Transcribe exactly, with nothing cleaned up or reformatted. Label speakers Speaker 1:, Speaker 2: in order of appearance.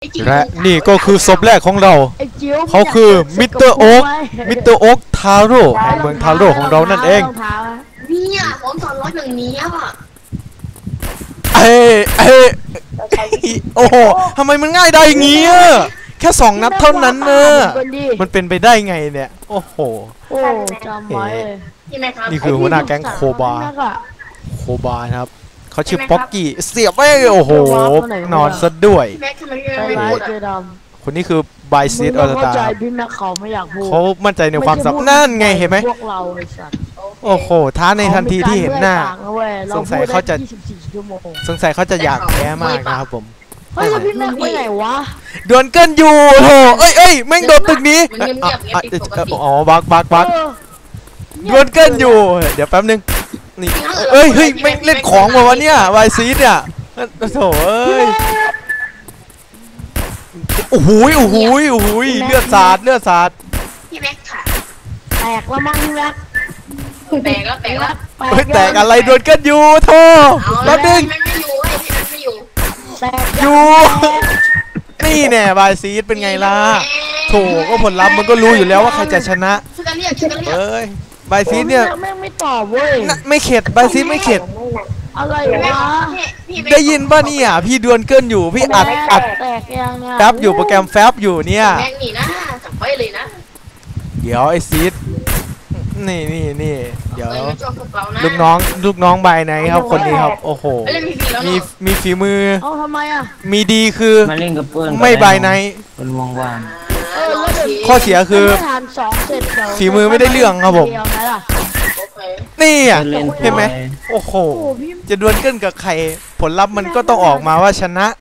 Speaker 1: และนี่ก็คือศพแรกของเราเขาคือมิสเตอร์โอ๊กมิสเตอร์โอ๊กทาโร่แห่งเมืองทาโร่ของเรานั่นเอง
Speaker 2: เนี่ยผมสอนรถอย่างนี้อ่ะ
Speaker 1: เอ้เอ้โอ้โหทำไมมันง่ายได้อย่างงี้อะแค่สองนัดเท่านั้นเนอะมันเป็นไปได้ไงเนี่ยโอ้โห
Speaker 3: โอ้จำไว้
Speaker 1: นี่คือหัวหน้าแก๊งโคบาโคบาครับเขาชื่อป๊อกกี้เสียบไม่โอ้โหนอนซะด้วยคนนี้คือบายซีดออร์ตาเขามั่นใจในความสับนั่นไงเห็นไหมโอ้โหท้าในทันทีที่เห็นหน้าสงสัยเขาจะสงสัยเขาจะอยากแพ้มากนะครับผม
Speaker 3: เฮ้ยพี่แม็กไปไหนวะ
Speaker 1: ดวลเกินอยู่โถเอ้ยเอ้ยแม่งโดนตึกนี้อ๋อบักบักบักดวลเกินอยู่เดี๋ยวแป๊บนึงนี่เอ้ยเฮ้ยแม่งเล่นของมาวะเนี่ยวายซีดเนี่ยโถเอ้ยโอ้โหโอ้โหโอ้โหเลือดสาดเลือดสาด
Speaker 2: พี่แม็กค่ะ
Speaker 3: แตกแล้วมั้งพี่แม็ก
Speaker 2: แตกแล้วแตกแล้ว
Speaker 1: เฮ้ยแตกอะไรดวลเกินอยู่โถแป๊บนึงอยู่นี่แน่บายซีดเป็นไงล่ะโถก็ผลลัพธ์มันก็รู้อยู่แล้วว่าใครจะชนะเอ้ยบายซีดเนี่ย
Speaker 3: ไม่ตอบเว้ย
Speaker 1: ไม่เข็ดบายซีดไม่เข็ด
Speaker 3: อะไรวะ
Speaker 1: ได้ยินป่ะเนี่ยพี่ดวลเกินอยู่พี่อัดอัดแฟบอยู่โปรแกรมแฟบอยู่เนี่ย
Speaker 2: แม่งนี่นะจับไว้เลยนะ
Speaker 1: เดี๋ยวไอซีดนี่นี่นี่เดี๋ยวลูกน้องลูกน้องใบไหนครับคนนี้ครับโอ้โหมีมีฝีมือ
Speaker 3: เอาทำไมอ่ะ
Speaker 1: มีดีคือไม่ใบไหน
Speaker 4: เป็นวงวาง
Speaker 1: ข้อเสียคือฝีมือไม่ได้เรื่องครับผมนี่อ่ะเห็นไหมโอ้โหจะดวลเกินกับใครผลลัพธ์มันก็ต้องออกมาว่าชนะ